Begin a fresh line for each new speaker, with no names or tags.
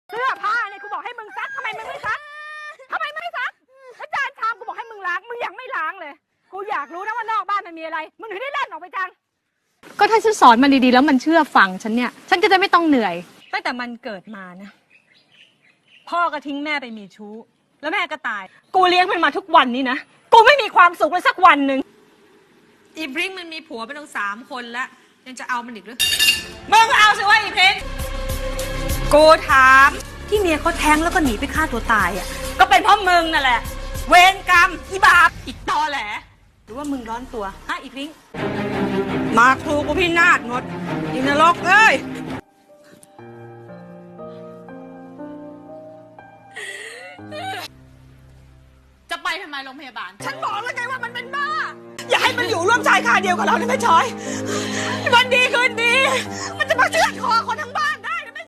เสื้อผ้าเนี่ยกูบอกให้มึงซักทำไมมึงไม่ซักแล้วจานชามกูบอกให้มึงล้างมึงยังไม่ล้างเลยกูอยากรู้นะว่านอกบ้านมันมีอะไรมึงถึงได้เล่นออกไปจังก็ถ้าฉันสอนมันดีๆแล้วมันเชื่อฟังฉันเนี่ยฉันก็จะไม่ต้องเหนื่อยตั้งแต่มันเกิดมานะพ่อก็ทิ้งแม่ไปมีชู้แล้วแม่ก็ตายกูเลี้ยงมันมาทุกวันนี้นะกูไม่มีความสุขเลยสักวันหนึ่ง
อีพริ้งมันมีผัวไปตั้ง3 คนแล้วยังจะเอามันอีกหรือ
มึงเอาสิว่าอีเพนกูถามที่เมียเขาแท้งแล้วก็หนีไปฆ่าตัวตายอ่ะก็เป็นเพราะมึงนั่นแหละเวรกรรมอีบาปอีตอแหลหรือว่ามึงร้อนตัวฮะอีพริ้งมาครูกูพี่นาฏหมดอีนรกเอ้ย
จะไปทำไมโรงพยาบาล
ฉันบอกแล้วไงว่ามันเป็นบ้าอย่าให้มันอยู่ร่วมชายคาเดียวกับเราได้ไหมชอยวันดีคืนดีมันจะมาเชือดคอคนทั้งบ้าน